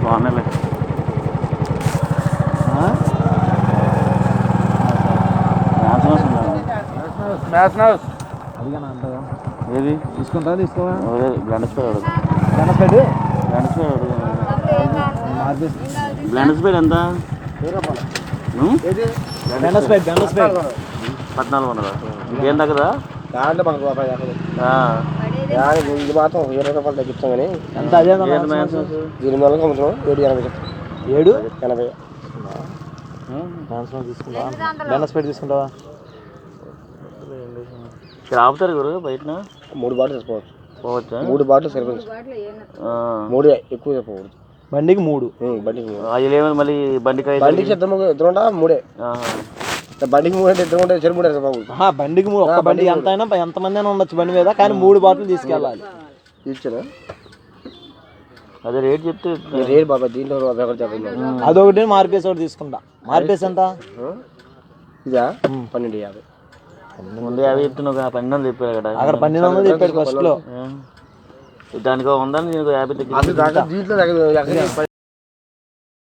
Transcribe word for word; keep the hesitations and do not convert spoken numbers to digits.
బాగున్నాయి. అడిగానా అంటగా ఏది తీసుకుంటా తీసుకోవా బ్లెండర్ స్పైడ్ అడుగు బ్లెండర్ స్పైడ్ బ్లెండర్ స్పైడ్ అడుగు మార్చేసి బ్లెండర్ స్పైడ్ ఎంత? బ్లెండర్ స్పైడ్ బ్లెండర్ స్పైడ్ పద్నాలుగు వందల ఇంకేం తగ్గదా? దాంట్లో మనకు ఇది మాత్రం ఇరవై రూపాయలు తగ్గిస్తాం కానీ ఎంత అదే దీని వల్ల అమ్ముతున్నాం ఏడు ఎనభై ఏడు ఎనభై తీసుకుంటా బ్లెండర్ స్పైడ్ తీసుకుంటావా? ఇక్కడ ఆపుతారు గురు బయట మూడు బాటలు తీసుకోవచ్చు. పోవచ్చా? మూడు బాటలు సరిపోతుంది. మూడు ఎక్కువ చెప్పకూడదు. బండికి మూడు బండికి మూడు అవి లేవని మళ్ళీ బండికి బండికి ఇద్దరు ఇద్దరు ఉంటా మూడే బండికి మూడు అంటే ఇద్దరు ఉంటే చెరుపు బాబు బండికి మూడు ఒక్క బండి ఎంత అయినా ఎంతమంది అయినా ఉండొచ్చు బండి మీద కానీ మూడు బాటలు తీసుకెళ్ళాలి. ఇచ్చాను అదే రేట్ చెప్తే రేట్ బాబా దీంట్లో అదొకటి మార్పేసి ఒకటి తీసుకుంటా. మార్పేసి ఎంత? ఇదా పన్నెండు యాభై ముందు యాభై చెప్తున్నావు పన్నెండు వందలు చెప్పారు అక్కడ అక్కడ పన్నెండు వందలు చెప్పాడు ఫస్ట్ లో. దానికి ఉందని నీకు యాభై తగ్గి దీంట్లో